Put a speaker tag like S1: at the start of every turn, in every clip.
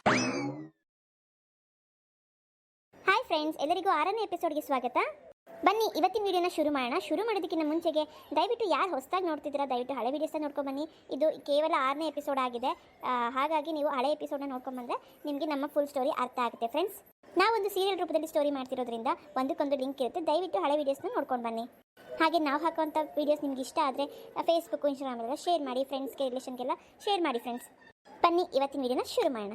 S1: Hi friends, ಎಲ್ಲರಿಗೂ 6ನೇ ಎಪಿಸೋಡ್ಗೆ ಸ್ವಾಗತ. ಬನ್ನಿ ಇವತ್ತಿನ ವಿಡಿಯೋನ ಶುರು ಮಾಡೋಣ. ಶುರು ಮಾಡೋದಕ್ಕಿಂತ ಮುಂಚೆಗೆ ದಯವಿಟ್ಟು ಯಾರು ಹೊಸದಾಗಿ ನೋಡ್ತಿದ್ದೀರಾ ದಯವಿಟ್ಟು ಹಳೆ ವಿಡಿಯೋಸ್ನ ನೋಡ್ಕೊಂಡು ಬನ್ನಿ. ಇದು ಕೇವಲ 6ನೇ ಎಪಿಸೋಡ್ ಆಗಿದೆ, ಹಾಗಾಗಿ ನೀವು ಹಳೆ ಎಪಿಸೋಡ್ನ ನೋಡ್ಕೊಂಡ್ಬಂದರೆ ನಿಮಗೆ ನಮ್ಮ ಫುಲ್ ಸ್ಟೋರಿ ಅರ್ಥ ಆಗುತ್ತೆ. ಫ್ರೆಂಡ್ಸ್, ನಾವೊಂದು ಸೀರಿಯಲ್ ರೂಪದಲ್ಲಿ ಸ್ಟೋರಿ ಮಾಡ್ತಿರೋದ್ರಿಂದ ಒಂದಕ್ಕೊಂದು ಲಿಂಕ್ ಇರುತ್ತೆ. ದಯವಿಟ್ಟು ಹಳೆ ವಿಡಿಯೋಸ್ನ ನೋಡ್ಕೊಂಡು ಬನ್ನಿ. ಹಾಗೆ ನಾವು ಹಾಕುವಂಥ ವೀಡಿಯೋಸ್ ನಿಮ್ಗೆ ಇಷ್ಟ ಆದರೆ ಫೇಸ್ಬುಕ್, ಇನ್ಸ್ಟಾಗ್ರಾಮೆಲ್ಲ ಶೇರ್ ಮಾಡಿ, ಫ್ರೆಂಡ್ಸ್ಗೆ, ರಿಲೇಷನ್ಗೆಲ್ಲ ಶೇರ್ ಮಾಡಿ. ಫ್ರೆಂಡ್ಸ್, ಬನ್ನಿ ಇವತ್ತಿನ ವಿಡಿಯೋನ ಶುರು ಮಾಡೋಣ.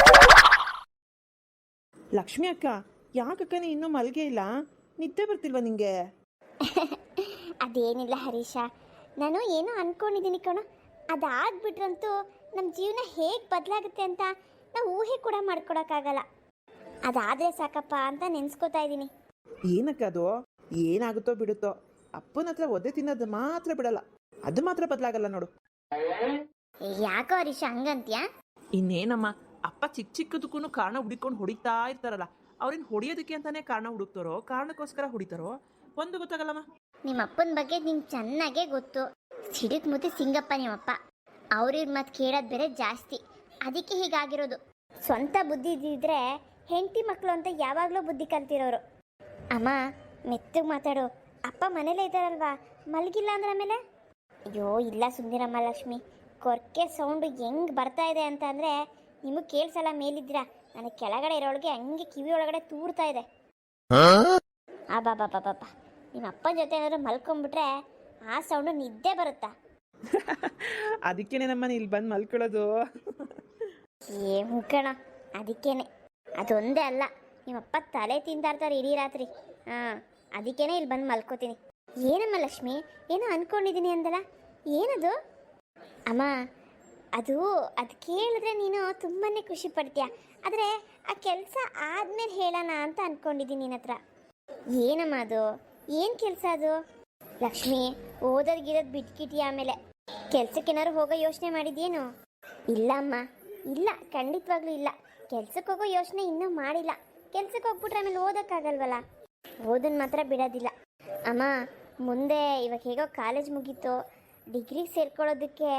S2: ಲಕ್ಷ್ಮಿ ಅಕ್ಕ, ಯಾಕಕ್ಕ ನೀ ಇನ್ನೂ ಮಲ್ಗೆ ಇಲ್ಲ? ನಿದ್ದೆ ಬರ್ತಿಲ್ವಾ ನಿಂಗೆ?
S1: ಅದೇನಿಲ್ಲ ಹರೀಶ, ನಾನು ಏನೋ ಅಂದ್ಕೊಂಡಿದ್ದೀನಿ ಕಣೋ. ಅದಾಗ್ಬಿಟ್ರಂತೂ ನಮ್ಮ ಜೀವನ ಹೇಗೆ ಬದಲಾಗುತ್ತೆ ಅಂತ ನಾವು ಊಹೆ ಕೂಡ ಮಾಡ್ಕೊಡೋಕ್ಕಾಗಲ್ಲ. ಅದಾದರೆ ಸಾಕಪ್ಪ ಅಂತ ನೆನೆಸ್ಕೋತಾ ಇದ್ದೀನಿ.
S2: ಏನಕ್ಕ ಅದು? ಏನಾಗುತ್ತೋ ಬಿಡುತ್ತೋ, ಅಪ್ಪನ ಹತ್ರ ಒದ್ದೆ ತಿನ್ನೋದು ಮಾತ್ರ ಬಿಡಲ್ಲ, ಅದು ಮಾತ್ರ ಬದಲಾಗಲ್ಲ ನೋಡು.
S1: ಯಾಕೋ ಹರೀಶ ಹಂಗಂತ್ಯಾ?
S2: ಇನ್ನೇನಮ್ಮ, ಅಪ್ಪ ಚಿಕ್ಕ ಚಿಕ್ಕದಕ್ಕೂ ಕಾರಣ ಹುಡುಕೊಂಡು ಹೊಡಿತಾ ಇರ್ತಾರಲ್ಲ, ಅವ್ರೇನು ಹೊಡಿಯೋದಕ್ಕೆ ಅಂತಾನೆ ಕಾರಣ ಹುಡುಕ್ತಾರೋ, ಕಾರಣಕ್ಕೋಸ್ಕರ ಹೊಡಿತಾರೋ ಒಂದು ಗೊತ್ತಾಗಲ್ಲಮ್ಮ.
S1: ನಿಮ್ಮ ಅಪ್ಪನ ಬಗ್ಗೆ ನಿಂಗೆ ಚೆನ್ನಾಗೇ ಗೊತ್ತು. ಸಿಡಿಕ್ ಮುತ್ತಿ ಸಿಂಗಪ್ಪ ನಿಮ್ಮಪ್ಪ. ಅವ್ರಿಗೆ ಮತ್ತೆ ಕೇಳೋದು ಬೇರೆ ಜಾಸ್ತಿ, ಅದಕ್ಕೆ ಹೀಗಾಗಿರೋದು. ಸ್ವಂತ ಬುದ್ಧಿ ಇದ್ದಿದ್ರೆ ಹೆಂಡತಿ ಮಕ್ಕಳು ಅಂತ ಯಾವಾಗಲೂ ಬುದ್ಧಿ ಕಲ್ತಿರೋರು. ಅಮ್ಮ ಮೆತ್ತಗೆ ಮಾತಾಡು, ಅಪ್ಪ ಮನೇಲೇ ಇದ್ದಾರಲ್ವಾ, ಮಲಗಿಲ್ಲ ಅಂದ್ರೆ ಆಮೇಲೆ? ಅಯ್ಯೋ ಇಲ್ಲ ಸುಂದಿರಮ್ಮ ಲಕ್ಷ್ಮಿ, ಕೊರ್ಕೆ ಸೌಂಡು ಹೆಂಗೆ ಬರ್ತಾ ಇದೆ ಅಂತ ಅಂದರೆ ನಿಮಗೆ ಕೇಳಿಸಲ್ಲ. ಮೇಲಿದ್ದೀರಾ, ನನಗೆ ಕೆಳಗಡೆ ಇರೋಳಿಗೆ ಹಂಗೆ ಕಿವಿ ಒಳಗಡೆ ತೂರ್ತಾ ಇದೆ. ಬಾಬಾ ನಿಮ್ಮ ಅಪ್ಪನ ಜೊತೆ ಏನಾದ್ರು ಮಲ್ಕೊಂಡ್ಬಿಟ್ರೆ ಆ ಸೌಂಡು ನಿದ್ದೆ ಬರುತ್ತಾ?
S2: ಅದಕ್ಕೇನೆ ನಮ್ಮನೆ ಇಲ್ಲಿ ಬಂದು ಮಲ್ಕೊಳ್ಳೋದು.
S1: ಮುಕ್ಕಣ, ಅದಕ್ಕೇನೆ. ಅದೊಂದೇ ಅಲ್ಲ, ನಿಮ್ಮಪ್ಪ ತಲೆ ತಿಂತಾರ್ತಾರೆ ಇಡೀ ರಾತ್ರಿ. ಅದಕ್ಕೇನೆ ಇಲ್ಲಿ ಬಂದು ಮಲ್ಕೋತೀನಿ. ಏನಮ್ಮ ಲಕ್ಷ್ಮಿ, ಏನೋ ಅಂದ್ಕೊಂಡಿದ್ದೀನಿ ಅಂದಲ್ಲ, ಏನದು? ಅಮ್ಮ ಅದು ಕೇಳಿದ್ರೆ ನೀನು ತುಂಬಾ ಖುಷಿ ಪಡ್ತೀಯ, ಆದರೆ ಆ ಕೆಲಸ ಆದಮೇಲೆ ಹೇಳೋಣ ಅಂತ ಅಂದ್ಕೊಂಡಿದ್ದೀನಿ ನಿನ್ನ ಹತ್ರ. ಏನಮ್ಮ ಅದು? ಏನು ಕೆಲಸ ಅದು? ಲಕ್ಷ್ಮಿ, ಓದೋದ್ಗಿರೋದು ಬಿಟ್ಕಿಟ್ಟಿಯ, ಆಮೇಲೆ ಕೆಲ್ಸಕ್ಕೇನಾದ್ರು ಹೋಗೋ ಯೋಚನೆ ಮಾಡಿದ್ಯೇನು? ಇಲ್ಲ ಅಮ್ಮ, ಇಲ್ಲ, ಖಂಡಿತವಾಗ್ಲೂ ಇಲ್ಲ. ಕೆಲ್ಸಕ್ಕೆ ಹೋಗೋ ಯೋಚನೆ ಇನ್ನೂ ಮಾಡಿಲ್ಲ. ಕೆಲ್ಸಕ್ಕೆ ಹೋಗ್ಬಿಟ್ರೆ ಆಮೇಲೆ ಓದೋಕ್ಕಾಗಲ್ವಲ್ಲ. ಓದನ್ನು ಮಾತ್ರ ಬಿಡೋದಿಲ್ಲ ಅಮ್ಮ. ಮುಂದೆ ಇವಾಗ ಹೇಗೋ ಕಾಲೇಜ್ ಮುಗೀತು, ಡಿಗ್ರಿಗೆ ಸೇರ್ಕೊಳ್ಳೋದಕ್ಕೆ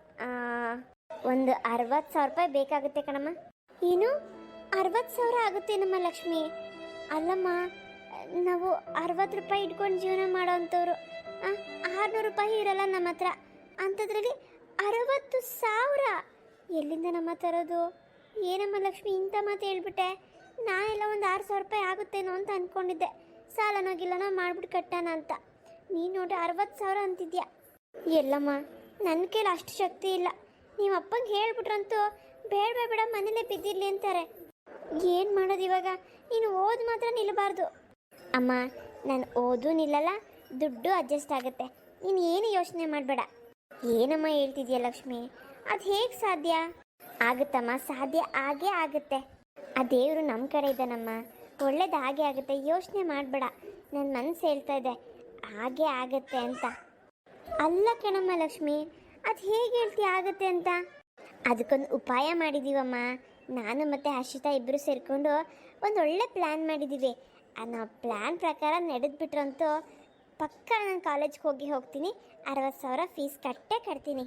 S1: ಒಂದು 60,000 ರೂಪಾಯಿ ಬೇಕಾಗುತ್ತೆ ಕಣಮ್ಮ. ಏನು 60,000 ಆಗುತ್ತೇನಮ್ಮ ಲಕ್ಷ್ಮಿ? ಅಲ್ಲಮ್ಮ, ನಾವು 60 ರೂಪಾಯಿ ಇಟ್ಕೊಂಡು ಜೀವನ ಮಾಡೋ ಅಂಥವ್ರು. 600 ರೂಪಾಯಿ ಇರಲ್ಲ ನಮ್ಮ ಹತ್ರ, ಅಂಥದ್ರಲ್ಲಿ 60,000 ಎಲ್ಲಿಂದ ನಮ್ಮ ತರೋದು? ಏನಮ್ಮ ಲಕ್ಷ್ಮಿ ಇಂಥ ಮಾತು ಹೇಳ್ಬಿಟ್ಟೆ. ನಾನೆಲ್ಲ ಒಂದು 6,000 ರೂಪಾಯಿ ಆಗುತ್ತೇನೋ ಅಂತ ಅಂದ್ಕೊಂಡಿದ್ದೆ, ಸಾಲನೋಗಿಲ್ಲನೋ ಮಾಡ್ಬಿಟ್ಟು ಕಟ್ಟೋಣ ಅಂತ. ನೀನು ನೋಡಿ 60,000 ಅಂತಿದ್ಯಾ. ಎಲ್ಲಮ್ಮ, ನನ್ನ ಕೈಲಿ ಅಷ್ಟು ಶಕ್ತಿ ಇಲ್ಲ. ನೀವು ಅಪ್ಪಂಗೆ ಹೇಳ್ಬಿಟ್ರಂತೂ ಬೇಡ ಮನೇಲೇ ಬಿದ್ದಿರಲಿ ಅಂತಾರೆ. ಏನು ಮಾಡೋದು ಇವಾಗ? ನೀನು ಓದು ಮಾತ್ರ ನಿಲ್ಲಬಾರ್ದು. ಅಮ್ಮ, ನಾನು ಓದು ನಿಲ್ಲಲ್ಲ, ದುಡ್ಡು ಅಡ್ಜಸ್ಟ್ ಆಗುತ್ತೆ. ನೀನು ಏನು ಯೋಚನೆ ಮಾಡಬೇಡ. ಏನಮ್ಮ ಹೇಳ್ತಿದ್ಯಾ ಲಕ್ಷ್ಮಿ? ಅದು ಹೇಗೆ ಸಾಧ್ಯ? ಆಗುತ್ತಮ್ಮ, ಸಾಧ್ಯ ಆಗೇ ಆಗುತ್ತೆ. ಆ ದೇವರು ನಮ್ಮ ಕಡೆ ಇದ್ದಾನಮ್ಮ, ಒಳ್ಳೇದು ಹಾಗೆ ಆಗುತ್ತೆ. ಯೋಚನೆ ಮಾಡಬೇಡ. ನನ್ನ ಮನಸ್ಸು ಹೇಳ್ತಾ ಇದೆ ಹಾಗೆ ಆಗುತ್ತೆ ಅಂತ. ಅಲ್ಲ ಕಣಮ್ಮ ಲಕ್ಷ್ಮಿ, ಅದು ಹೇಗೆ ಹೇಳ್ತೀಯ ಆಗುತ್ತೆ ಅಂತ? ಅದಕ್ಕೊಂದು ಉಪಾಯ ಮಾಡಿದ್ದೀವಮ್ಮ. ನಾನು ಮತ್ತು ಹರ್ಷಿತಾ ಇಬ್ಬರು ಸೇರಿಕೊಂಡು ಒಂದು ಒಳ್ಳೆ ಪ್ಲ್ಯಾನ್ ಮಾಡಿದ್ದೀವಿ. ನಾವು ಪ್ಲ್ಯಾನ್ ಪ್ರಕಾರ ನಡೆದ್ಬಿಟ್ರಂತೂ ಪಕ್ಕ ನಾನು ಕಾಲೇಜ್ಗೆ ಹೋಗ್ತೀನಿ. 60,000 ಫೀಸ್ ಕಟ್ತೀನಿ.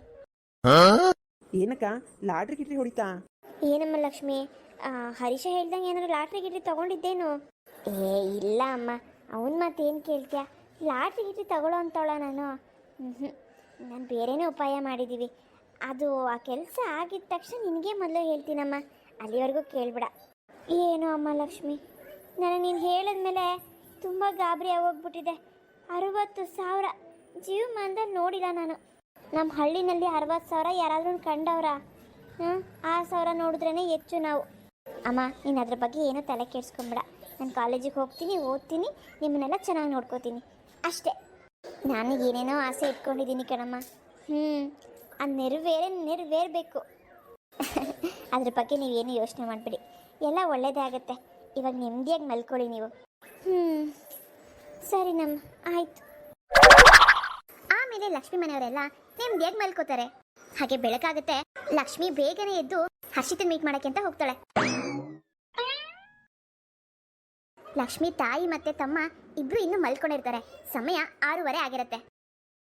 S2: ಏನಕ್ಕ, ಲಾಟ್ರಿ ಗಿಟ್ರಿ ಹೊಡಿತಾ?
S1: ಏನಮ್ಮ ಲಕ್ಷ್ಮಿ, ಹರೀಶ ಹೇಳ್ದಂಗೆ ಏನಾದ್ರು ಲಾಟ್ರಿ ಗಿಟ್ರಿ ತೊಗೊಂಡಿದ್ದೇನು? ಇಲ್ಲ ಅಮ್ಮ, ಅವನ ಮಾತೇನು ಕೇಳ್ತೀಯ? ಲಾಟ್ರಿ ಗಿಟ್ರಿ ತಗೊಳ್ಳೋ ಅಂತವಳ ನಾನು? ನಾನು ಬೇರೆನೇ ಉಪಾಯ ಮಾಡಿದ್ದೀವಿ. ಅದು ಆ ಕೆಲಸ ಆಗಿದ ತಕ್ಷಣ ನಿನಗೆ ಮೊದಲು ಹೇಳ್ತೀನಮ್ಮ, ಅಲ್ಲಿವರೆಗೂ ಕೇಳಬೇಡ. ಏನು ಅಮ್ಮ ಲಕ್ಷ್ಮಿ, ನನಗೆ ನೀನು ಹೇಳಿದ್ಮೇಲೆ ತುಂಬ ಗಾಬರಿ ಆಗೋಗ್ಬಿಟ್ಟಿದೆ. 60,000 ಜೀವಮಾನದಲ್ಲಿ ನೋಡಿಲ್ಲ ನಾನು. ನಮ್ಮ ಹಳ್ಳಿನಲ್ಲಿ 60,000 ಯಾರಾದ್ರೂ ಕಂಡವ್ರ? ಆ 1,000 ನೋಡಿದ್ರೇ ಹೆಚ್ಚು ನಾವು. ಅಮ್ಮ, ನೀನು ಅದ್ರ ಬಗ್ಗೆ ಏನೂ ತಲೆ ಕೆಡಿಸ್ಕೊಂಬೇಡ. ನಾನು ಕಾಲೇಜಿಗೆ ಹೋಗ್ತೀನಿ, ಓದ್ತೀನಿ, ನಿಮ್ಮನ್ನೆಲ್ಲ ಚೆನ್ನಾಗಿ ನೋಡ್ಕೋತೀನಿ ಅಷ್ಟೇ. ನಾನು ಏನೇನೋ ಆಸೆ ಇಟ್ಕೊಂಡಿದ್ದೀನಿ ಕಣಮ್ಮ. ಅದು ನೆರವೇರಬೇಕು. ಅದ್ರ ಬಗ್ಗೆ ನೀವೇನು ಯೋಚನೆ ಮಾಡಿಬಿಡಿ, ಎಲ್ಲ ಒಳ್ಳೇದೇ ಆಗುತ್ತೆ. ಇವಾಗ ನೆಮ್ಮದಿಯಾಗಿ ಮಲ್ಕೊಳ್ಳಿ ನೀವು. ಸರಿ ನಮ್ಮ, ಆಯಿತು. ಆಮೇಲೆ ಲಕ್ಷ್ಮಿ ಮನೆಯವರೆಲ್ಲ ನೆಮ್ಮದಿಯಾಗಿ ಮಲ್ಕೋತಾರೆ. ಹಾಗೆ ಬೆಳಕಾಗುತ್ತೆ. ಲಕ್ಷ್ಮಿ ಬೇಗನೆ ಎದ್ದು ಹರ್ಷಿತನ್ ಮೀಟ್ ಮಾಡೋಕ್ಕೆ ಅಂತ ಹೋಗ್ತಾಳೆ. ಲಕ್ಷ್ಮಿ ತಾಯಿ ಮತ್ತೆ ತಮ್ಮ ಇಬ್ರು ಇನ್ನೂ ಮಲ್ಕೊಂಡಿರ್ತಾರೆ. ಸಮಯ 6:30 ಆಗಿರುತ್ತೆ.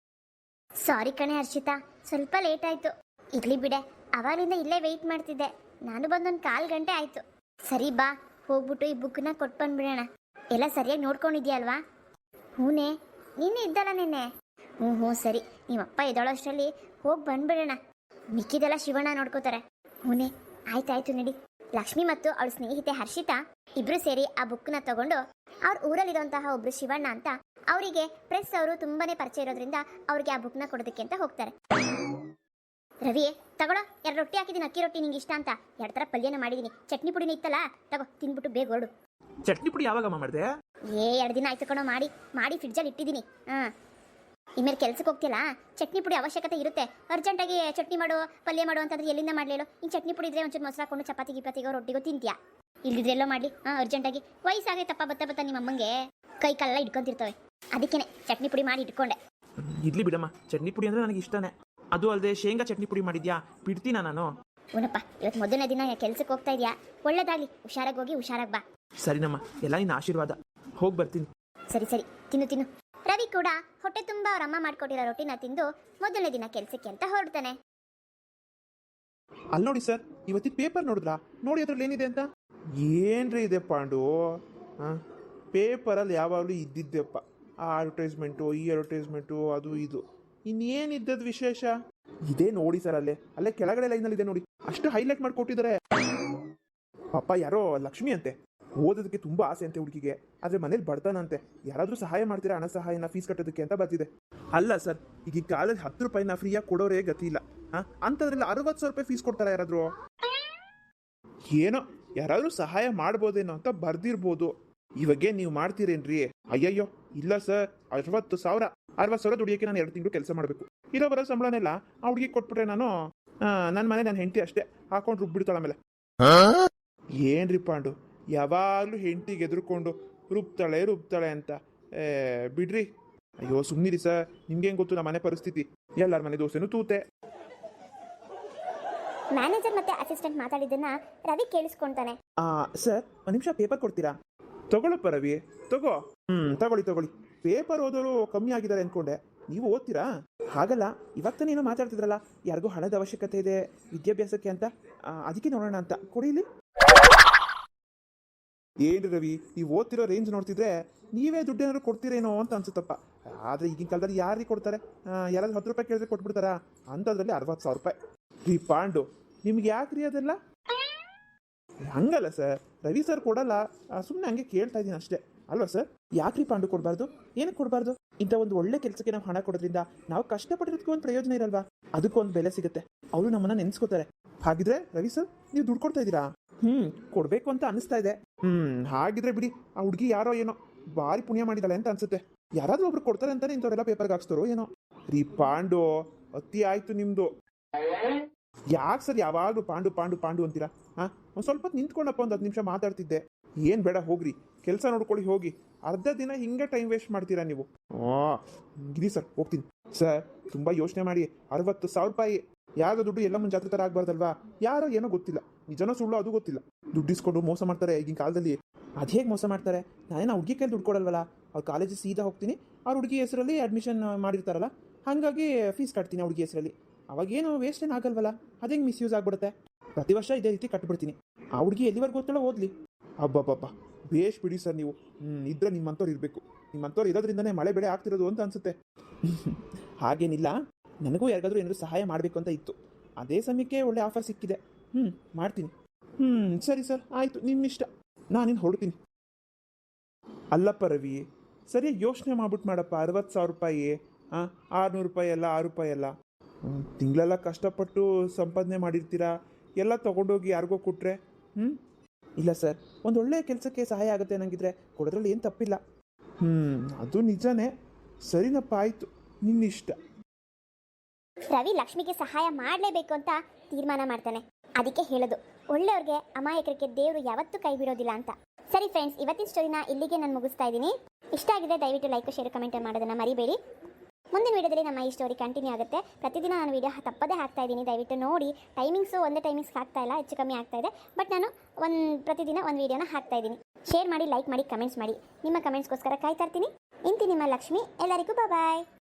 S1: ಸಾರಿ ಕಣೆ ಹರ್ಷಿತಾ, ಸ್ವಲ್ಪ ಲೇಟ್ ಆಯಿತು. ಇರ್ಲಿ ಬಿಡೆ, ಅವಾಗಲಿಂದ ಇಲ್ಲೇ ವೆಯ್ಟ್ ಮಾಡ್ತಿದ್ದೆ. ನಾನು ಬಂದೊಂದು 1/4 ಗಂಟೆ ಆಯಿತು. ಸರಿ ಬಾ, ಹೋಗ್ಬಿಟ್ಟು ಈ ಬುಕ್ನ ಕೊಟ್ಟು ಬಂದ್ಬಿಡೋಣ. ಎಲ್ಲ ಸರಿಯಾಗಿ ನೋಡ್ಕೊಂಡಿದ್ಯಲ್ವಾ? ಹೂನೇ, ನಿನ್ನೆ ಇದ್ದಲ್ಲ ನಿನ್ನೆ. ಹ್ಞೂ ಸರಿ, ನಿಮ್ಮಪ್ಪ ಎದ್ದಳೋ ಅಷ್ಟರಲ್ಲಿ ಹೋಗಿ ಬಂದ್ಬಿಡೋಣ. ಮಿಕ್ಕಿದೆಲ್ಲ ಶಿವಣ್ಣ ನೋಡ್ಕೋತಾರೆ. ಹೂನೇ, ಆಯ್ತಾಯ್ತು ನಡಿ. ಲಕ್ಷ್ಮಿ ಮತ್ತು ಅವಳ ಸ್ನೇಹಿತೆ ಹರ್ಷಿತಾ ಇಬ್ರು ಸೇರಿ ಆ ಬುಕ್ನ ತಗೊಂಡು ಅವ್ರ ಊರಲ್ಲಿರುವಂತಹ ಒಬ್ರು ಶಿವಣ್ಣ ಅಂತ ಅವರಿಗೆ ಪ್ರೆಸ್ ಅವರು ತುಂಬಾನೇ ಪರಿಚಯ ಇರೋದ್ರಿಂದ ಅವ್ರಿಗೆ ಆ ಬುಕ್ನ ಕೊಡೋದಕ್ಕೆ ಅಂತ ಹೋಗ್ತಾರೆ. ರವಿ, ತಗೊಳ್ಳೋ, 2 ರೊಟ್ಟಿ ಹಾಕಿದ್ದೀನಿ, ಅಕ್ಕಿ ರೊಟ್ಟಿ ನಿಂಗೆ ಇಷ್ಟ ಅಂತ. 2 ಥರ ಪಲ್ಯನ ಮಾಡಿದ್ದೀನಿ, ಚಟ್ನಿ ಪುಡಿನ ಇತ್ತಲ್ಲ, ತಗೋ ತಿನ್ಬಿಟ್ಟು ಬೇಗ ಹೊರಡು.
S2: ಚಟ್ನಿ ಪುಡಿ ಯಾವಾಗಮ್ಮ ಮಾಡಿದೆ?
S1: 2 ದಿನ ಆಯ್ತು ಕಣೋ, ಮಾಡಿ ಫ್ರಿಡ್ಜಲ್ಲಿ ಇಟ್ಟಿದ್ದೀನಿ. ಇನ್ಮೇಲೆ ಕೆಲ್ಸಕ್ಕೆ ಹೋಗ್ತಿಲ್ಲ, ಚಟ್ನಿ ಪುಡಿ ಅವಶ್ಯಕತೆ ಇರುತ್ತೆ. ಅರ್ಜೆಂಟಾಗಿ ಚಟ್ನಿ ಮಾಡು, ಪಲ್ಯ ಮಾಡು ಅಂತಂದ್ರೆ ಎಲ್ಲಿಂದ ಮಾಡಲೇಳು? ಇನ್ನು ಚಟ್ನಿ ಪುಡಿ ಇದ್ರೆ ಒಂಚೂರು ಮೊಸರು ಹಾಕೊಂಡು ಚಪಾತಿ ಗಿಪಾತಿಗೋ ರೊಟ್ಟಿಗೋ ತಿಂತೀಯಾ? ಇಲ್ದಿದ್ರೆ ಎಲ್ಲೋ ಮಾಡಲಿ. ಅರ್ಜೆಂಟಾಗಿ ವಯಸ್ಸಾಗೈತಪ್ಪ, ಬತ್ತ ನಿಮ್ಮಮ್ಮಂಗೆ ಕೈ ಕಾಲೆಲ್ಲ ಇಟ್ಕೊಂತಿರ್ತವೆ. ಅದಕ್ಕೇನೆ ಚಟ್ನಿ ಪುಡಿ ಮಾಡಿ ಇಟ್ಕೊಂಡೆ.
S2: ಇಡ್ಲಿ ಬಿಡಮ್ಮ, ಚಟ್ನಿ ಪುಡಿ ಅಂದ್ರೆ ನನಗೆ ಇಷ್ಟನೇ. ಅದು ಅಲ್ಲದೆ ಶೇಂಗಾ ಚಟ್ನಿ ಪುಡಿ ಮಾಡಿದ್ಯಾ, ಬಿಡ್ತೀನಾ ನಾನು?
S1: ಊನಪ್ಪ, ಇವತ್ತು ಮೊದಲನೇ ದಿನ ಕೆಲ್ಸಕ್ಕೆ ಹೋಗ್ತಾ ಇದೆಯಾ, ಒಳ್ಳೇದಾಗ್ಲಿ. ಹುಷಾರಾಗಿ ಹೋಗಿ ಹುಷಾರಾಗಿ ಬಾ.
S2: ಸರಿನಮ್ಮ, ಎಲ್ಲ ನಿನ್ನ ಆಶೀರ್ವಾದ. ಹೋಗಿ ಬರ್ತೀನಿ.
S1: ಸರಿ ತಿನ್ನು. ರವಿ ಕೂಡ ಹೊಟ್ಟೆ ತುಂಬ ಅವ್ರ ಅಮ್ಮ ಮಾಡ್ಕೊಟ್ಟಿರೋ ರೊಟ್ಟಿನ ತಿಂದು ಮೊದಲನೇ ದಿನ ಕೆಲ್ಸಕ್ಕೆ ಅಂತ ಹೊರಡ್ತಾನೆ.
S3: ಅಲ್ಲಿ ನೋಡಿ ಸರ್, ಇವತ್ತಿನ ಪೇಪರ್ ನೋಡಿದ್ರಾ? ನೋಡಿ ಅದ್ರಲ್ಲಿ ಏನಿದೆ ಅಂತ. ಏನ್ರಿ ಇದೆ ಪಾಂಡು, ಪೇಪರಲ್ಲಿ ಯಾವಾಗಲೂ ಇದ್ದಿದ್ದೆಪ್ಪ, ಆ ಅಡ್ವರ್ಟೈಸ್ಮೆಂಟು, ಈ ಅಡ್ವರ್ಟೈಸ್ಮೆಂಟು, ಅದು ಇದು. ಇನ್ನೇನಿದ್ದದ್ದು ವಿಶೇಷ? ಇದೇ ನೋಡಿ ಸರ್, ಅಲ್ಲೇ ಕೆಳಗಡೆ ಲೈನಲ್ಲಿ ಇದೆ ನೋಡಿ, ಅಷ್ಟು ಹೈಲೈಟ್ ಮಾಡಿ ಕೊಟ್ಟಿದ್ದಾರೆ. ಪಾಪ ಯಾರೋ ಲಕ್ಷ್ಮಿ ಅಂತೆ, ಓದೋದಕ್ಕೆ ತುಂಬ ಆಸೆ ಅಂತೆ ಹುಡುಗಿಗೆ, ಆದರೆ ಮನೇಲಿ ಬಡ್ತಾನಂತೆ. ಯಾರಾದರೂ ಸಹಾಯ ಮಾಡ್ತೀರಾ, ಹಣ ಸಹಾಯನ ಫೀಸ್ ಕಟ್ಟೋದಕ್ಕೆ ಅಂತ ಬರ್ತಿದೆ. ಅಲ್ಲ ಸರ್, ಈಗ ಈ ಕಾಲೇಜ್ 10 ರೂಪಾಯಿನ ಫ್ರೀಯಾಗಿ ಕೊಡೋರೇ ಗತಿ ಇಲ್ಲ. ಅಂಥದ್ರಲ್ಲಿ 60,000 ರೂಪಾಯಿ ಫೀಸ್ ಕೊಡ್ತಾರ ಯಾರಾದರೂ? ಏನೋ ಯಾರಾದರೂ ಸಹಾಯ ಮಾಡ್ಬೋದೇನೋ ಅಂತ ಬರ್ದಿರ್ಬೋದು. ಇವಾಗೇ ನೀವು ಮಾಡ್ತೀರೇನ್ರಿ? ಅಯ್ಯಯ್ಯೋ ಇಲ್ಲ ಸರ್, 60,000 ದುಡಿಯೋಕ್ಕೆ ನಾನು 2 ತಿಂಗಳು ಕೆಲಸ ಮಾಡಬೇಕು. ಇರೋ ಬರೋ ಸಂಬಳನೆಲ್ಲ ಆ ಹುಡುಗಿಗೆ ಕೊಟ್ಬಿಟ್ರೆ ನಾನು ನನ್ನ ಮನೆ ನನ್ನ ಹೆಂಡತಿ ಅಷ್ಟೇ ಹಾಕೊಂಡು ರುಬ್ಬಿಡ್ತಾಳೆ. ಆಮೇಲೆ ಏನ್ರಿ ಪಾಂಡು, ಯಾವಾಗಲೂ ಹೆಂಡತಿಗೆ ಎದುರ್ಕೊಂಡು ರುಬ್ತಾಳೆ ಅಂತ. ಬಿಡ್ರಿ. ಅಯ್ಯೋ ಸುಮ್ಮನಿರಿ ಸರ್, ನಿಮ್ಗೇನು ಗೊತ್ತು ನಮ್ಮ ಮನೆ ಪರಿಸ್ಥಿತಿ, ಎಲ್ಲರ ಮನೆ ದೋಸೆನೂ ತೂತೆ.
S1: ಮ್ಯಾನೇಜರ್ ಮತ್ತೆ ಅಸಿಸ್ಟೆಂಟ್ ಮಾತಾಡಿದ್ದನ್ನ ರವಿ ಕೇಳಿಸ್ಕೊಂತಾನೆ.
S3: ಸರ್, 1 ನಿಮಿಷ ಪೇಪರ್ ಕೊಡ್ತೀರಾ? ತಗೊಳಪ್ಪ ರವಿ, ತಗೋ. ತಗೊಳ್ಳಿ. ಪೇಪರ್ ಓದೋರು ಕಮ್ಮಿ ಆಗಿದ್ದಾರೆ ಅನ್ಕೊಂಡೆ, ನೀವು ಓದ್ತೀರಾ? ಹಾಗಲ್ಲ, ಇವಾಗ ತಾನೇ ಏನೋ ಮಾತಾಡ್ತಿದ್ರಲ್ಲ, ಯಾರಿಗೂ ಹಣದ ಅವಶ್ಯಕತೆ ಇದೆ ವಿದ್ಯಾಭ್ಯಾಸಕ್ಕೆ ಅಂತ, ಅದಕ್ಕೆ ನೋಡೋಣ ಅಂತ. ಕೊಡಿಲಿ. ಏನ್ರಿ ರವಿ, ನೀವು ಓದ್ತಿರೋ ರೇಂಜ್ ನೋಡ್ತಿದ್ರೆ ನೀವೇ ದುಡ್ಡೇನಾದ್ರು ಕೊಡ್ತೀರೇನೋ ಅಂತ ಅನ್ಸುತ್ತಪ್ಪ. ಆದರೆ ಈಗಿನ ಕಾಲದಲ್ಲಿ ಯಾರಿಗೆ ಕೊಡ್ತಾರೆ? ಯಾರಾದ್ರೂ 10 ರೂಪಾಯಿ ಕೇಳಿದ್ರೆ ಕೊಟ್ಬಿಡ್ತಾರಾ? ಅಂಥದ್ರಲ್ಲಿ 60,000 ರೂಪಾಯಿ. ರೀ ಪಾಂಡು, ನಿಮ್ಗೆ ಯಾಕ್ರಿ ಅದೆಲ್ಲ? ಹಂಗಲ್ಲ ಸರ್, ರವಿ ಸರ್ ಕೊಡಲ್ಲ, ಸುಮ್ಮನೆ ಹಂಗೆ ಕೇಳ್ತಾ ಇದ್ದೀನಿ ಅಷ್ಟೇ ಅಲ್ವಾ ಸರ್? ಯಾಕ್ರಿ ಪಾಂಡು ಕೊಡಬಾರ್ದು? ಏನಕ್ಕೆ ಕೊಡಬಾರ್ದು? ಇಂಥ ಒಂದು ಒಳ್ಳೆ ಕೆಲಸಕ್ಕೆ ನಾವು ಹಣ ಕೊಡೋದ್ರಿಂದ ನಾವು ಕಷ್ಟಪಟ್ಟಿರೋದಕ್ಕೆ ಒಂದು ಪ್ರಯೋಜನ ಇರಲ್ವಾ? ಅದಕ್ಕೊಂದು ಬೆಲೆ ಸಿಗುತ್ತೆ, ಅವರು ನಮ್ಮನ್ನ ನೆನೆಸ್ಕೋತಾರೆ. ಹಾಗಿದ್ರೆ ರವಿ ಸರ್, ನೀವು ದುಡ್ಡು ಕೊಡ್ತಾ ಇದ್ದೀರಾ? ಕೊಡ್ಬೇಕು ಅಂತ ಅನಿಸ್ತಾ ಇದೆ. ಹಾಗಿದ್ರೆ ಬಿಡಿ, ಆ ಹುಡುಗಿ ಯಾರೋ ಏನೋ ಭಾರಿ ಪುಣ್ಯ ಮಾಡಿದಾಳೆ ಅಂತ ಅನ್ಸುತ್ತೆ. ಯಾರಾದ್ರೂ ಒಬ್ರು ಕೊಡ್ತಾರೆ ಅಂತಾನೆ ಇಂಥವ್ರೆಲ್ಲ ಪೇಪರ್ಗೆ ಹಾಕ್ಸ್ತಾರೋ ಏನೋ. ರೀ ಪಾಂಡು, ಅತಿ ಆಯ್ತು ನಿಮ್ದು. ಯಾಕೆ ಸರ್ ಯಾವಾಗಲೂ ಪಾಂಡು ಅಂತೀರಾ? ಒಂದು ಸ್ವಲ್ಪ ಹೊತ್ತು ನಿಂತ್ಕೊಂಡಪ್ಪ, ಒಂದು 10 ನಿಮಿಷ ಮಾತಾಡ್ತಿದ್ದೆ. ಏನು ಬೇಡ ಹೋಗ್ರಿ, ಕೆಲಸ ನೋಡ್ಕೊಳ್ಳಿ ಹೋಗಿ. ಅರ್ಧ ದಿನ ಹಿಂಗೆ ಟೈಮ್ ವೇಸ್ಟ್ ಮಾಡ್ತೀರಾ ನೀವು. ಗಿರಿ ಸರ್, ಹೋಗ್ತೀನಿ. ಸರ್, ತುಂಬ ಯೋಚನೆ ಮಾಡಿ. 60,000 ರೂಪಾಯಿ ಯಾರೋ ದುಡ್ಡು ಎಲ್ಲ ಮುಂದೆ ಜಾತ್ರೆ ಥರ ಆಗ್ಬಾರ್ದಲ್ವಾ? ಯಾರೋ ಏನೋ ಗೊತ್ತಿಲ್ಲ, ನಿಜನೋ ಸುಳ್ಳು ಅದು ಗೊತ್ತಿಲ್ಲ, ದುಡ್ಡಿಸ್ಕೊಂಡು ಮೋಸ ಮಾಡ್ತಾರೆ ಈಗಿನ ಕಾಲದಲ್ಲಿ. ಅದು ಹೇಗೆ ಮೋಸ ಮಾಡ್ತಾರೆ? ನಾನೇನು ಹುಡುಗಿ ಕೈಲಿ ದುಡ್ಡು ಕೊಡಲ್ವಲ್ಲ, ಅವ್ರ ಕಾಲೇಜಿಗೆ ಸೀದಾ ಹೋಗ್ತೀನಿ, ಅವ್ರ ಹುಡುಗಿ ಹೆಸರಲ್ಲಿ ಅಡ್ಮಿಷನ್ ಮಾಡಿರ್ತಾರಲ್ಲ, ಹಾಗಾಗಿ ಫೀಸ್ ಕಟ್ತೀನಿ ಹುಡುಗಿ ಹೆಸರಲ್ಲಿ. ಅವಾಗೇನು ವೇಸ್ಟ್ ಏನು ಆಗಲ್ವಲ್ಲ, ಅದು ಹೆಂಗೆ ಮಿಸ್ಯೂಸ್ ಆಗ್ಬಿಡುತ್ತೆ? ಪ್ರತಿ ವರ್ಷ ಇದೇ ರೀತಿ ಕಟ್ಬಿಡ್ತೀನಿ. ಆ ಹುಡುಗಿ ಎಲ್ಲಿವರೆಗೂ ಗೊತ್ತಲ್ಲ ಓದಲಿ. ಅಬ್ಬಬ್ಬಬ್ಬ, ಬೇಷ್ ಬಿಡಿ ಸರ್ ನೀವು. ಇದ್ರೆ ನಿಮ್ಮಂಥವ್ರು ಇರಬೇಕು. ನಿಮ್ಮಂಥವ್ರು ಇರೋದ್ರಿಂದನೇ ಮಳೆ ಬೆಳೆ ಆಗ್ತಿರೋದು ಅಂತ ಅನ್ಸುತ್ತೆ. ಹಾಗೇನಿಲ್ಲ, ನನಗೂ ಯಾರಿಗಾದ್ರೂ ಏನಾದರೂ ಸಹಾಯ ಮಾಡಬೇಕು ಅಂತ ಇತ್ತು. ಅದೇ ಸಮಯಕ್ಕೆ ಒಳ್ಳೆ ಆಫರ್ ಸಿಕ್ಕಿದೆ. ಮಾಡ್ತೀನಿ. ಸರಿ ಸರ್, ಆಯಿತು, ನಿಮ್ಮಿಷ್ಟ. ನಾನಿನ್ನು ಹೊರಡ್ತೀನಿ. ಅಲ್ಲಪ್ಪ ರವಿ, ಸರಿಯಾಗಿ ಯೋಚನೆ ಮಾಡ್ಬಿಟ್ಟು ಮಾಡಪ್ಪ. 60,000 ರೂಪಾಯಿ, 600 ರೂಪಾಯಿ ಅಲ್ಲ, 6 ರೂಪಾಯಿ ಅಲ್ಲ. ತಿಂಗಳೆಲ್ಲ ಕಷ್ಟಪಟ್ಟು ಸಂಪಾದನೆ ಮಾಡಿರ್ತೀರಾ, ಎಲ್ಲ ತೊಗೊಂಡೋಗಿ ಯಾರಿಗೋ ಕೊಟ್ಟರೆ ಇಲ್ಲ ಸರ್, ಒಂದು ಒಳ್ಳೆಯ ಕೆಲಸಕ್ಕೆ ಸಹಾಯ ಆಗುತ್ತೆ ಅನ್ನಂಗಿದ್ರೆ ಕೊಡೋದ್ರಲ್ಲಿ ಏನು ತಪ್ಪಿಲ್ಲ. ಅದು ನಿಜನೇ. ಸರಿನಪ್ಪ, ಆಯಿತು, ನಿನ್ನಿಷ್ಟ.
S1: ರವಿ ಲಕ್ಷ್ಮಿಗೆ ಸಹಾಯ ಮಾಡಲೇಬೇಕು ಅಂತ ತೀರ್ಮಾನ ಮಾಡ್ತಾನೆ. ಅದಕ್ಕೆ ಹೇಳೋದು, ಒಳ್ಳೆಯವ್ರಿಗೆ ಅಮಾಯಕರಿಗೆ ದೇವರು ಯಾವತ್ತೂ ಕೈ ಬಿಡೋದಿಲ್ಲ ಅಂತ. ಸರಿ ಫ್ರೆಂಡ್ಸ್, ಇವತ್ತಿನ ಸ್ಟೋರಿನ ಇಲ್ಲಿಗೆ ನಾನು ಮುಗಿಸ್ತಾ ಇದ್ದೀನಿ. ಇಷ್ಟ ಆಗಿದೆ ದಯವಿಟ್ಟು ಲೈಕ್, ಶೇರ್, ಕಮೆಂಟ್ ಮಾಡೋದನ್ನು ಮರಿಬೇಡಿ. ಮುಂದಿನ ವೀಡಿಯೋದಲ್ಲಿ ನಮ್ಮ ಈ ಸ್ಟೋರಿ ಕಂಟಿನ್ಯೂ ಆಗುತ್ತೆ. ಪ್ರತಿದಿನ ನಾನು ವೀಡಿಯೋ ತಪ್ಪದೇ ಹಾಕ್ತಾ ಇದ್ದೀನಿ, ದಯವಿಟ್ಟು ನೋಡಿ. ಟೈಮಿಂಗ್ಸು ಒಂದೇ ಟೈಮಿಂಗ್ಸ್ ಹಾಕ್ತಾ ಇಲ್ಲ, ಹೆಚ್ಚು ಕಮ್ಮಿ ಆಗ್ತಾ ಇದೆ. ಬಟ್ ನಾನು ಪ್ರತಿದಿನ ಒಂದು ವೀಡಿಯೋನ ಹಾಕ್ತಾ ಇದ್ದೀನಿ. ಶೇರ್ ಮಾಡಿ, ಲೈಕ್ ಮಾಡಿ, ಕಮೆಂಟ್ಸ್ ಮಾಡಿ. ನಿಮ್ಮ ಕಮೆಂಟ್ಸ್ಗೋಸ್ಕರ ಕಾಯ್ತಾ ಇರ್ತೀನಿ. ಇಂತಿ ನಿಮ್ಮ ಲಕ್ಷ್ಮಿ. ಎಲ್ಲರಿಗೂ ಬಾಯ್.